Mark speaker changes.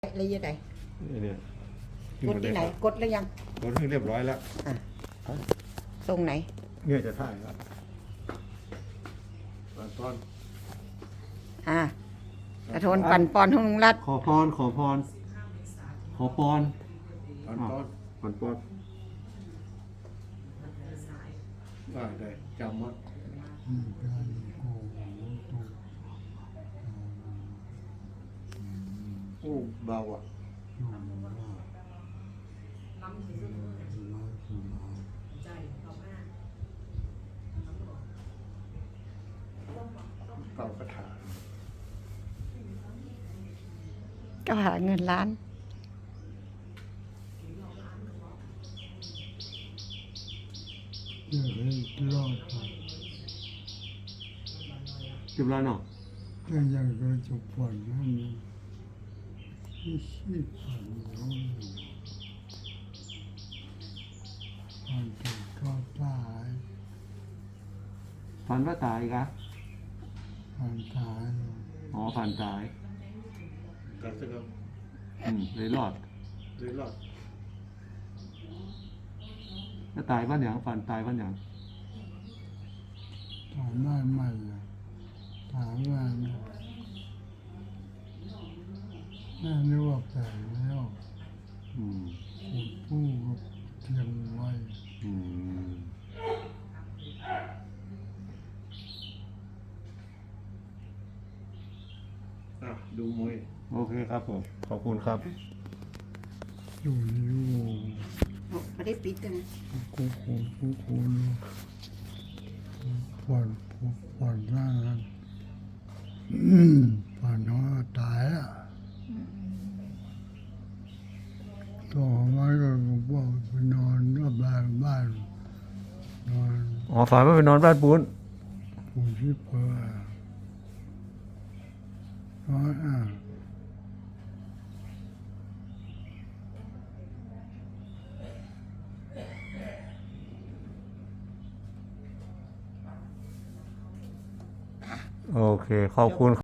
Speaker 1: อะไรยังไง
Speaker 2: เนี่ย
Speaker 1: กดที่ไหนกดแล้วยัง
Speaker 2: กดให้เรียบร้อยแล้ว
Speaker 1: ตรงไหน
Speaker 2: เนี่ยจะถ่ายแล้วตอน
Speaker 1: กระโทนปั่นปอนของลุงรัต
Speaker 2: ขอพรปอนได้จำว่าโอ้เบาอ่ะเป่ากระถาง
Speaker 1: ก็หาเงินล้าน
Speaker 2: จุบแล้วเนาะ
Speaker 3: ยังก็จะผ่อนนั่นที่ชีพผ่อนน้องผ่อนถึงก็ตาย
Speaker 2: ฝันว่าตายกะ
Speaker 3: ผ่อนตาย
Speaker 2: อ๋อฝันตายกันสักครับเลยรอดแล้วตายบ้านอย่างฝันตายบ้านอย่าง
Speaker 3: ถามได้ไหมถามว่าแม่นึกว่าแปลงแล้วคุณผู้ก็เตรียมไว้
Speaker 2: ดูมวยโอเคครับผมขอบคุณครับ
Speaker 3: อยู่
Speaker 1: ไม่ได้ปิดกันนะ
Speaker 3: กูผ่อนร่างนั้นผ่อนน้อยตายอ่ะต่อมาก็บอกไปนอนกับบ้านนอน
Speaker 2: ฝันว่าไปนอนบ้านปูน
Speaker 3: ที่เพื่อนอน
Speaker 2: โอเคขอบคุณ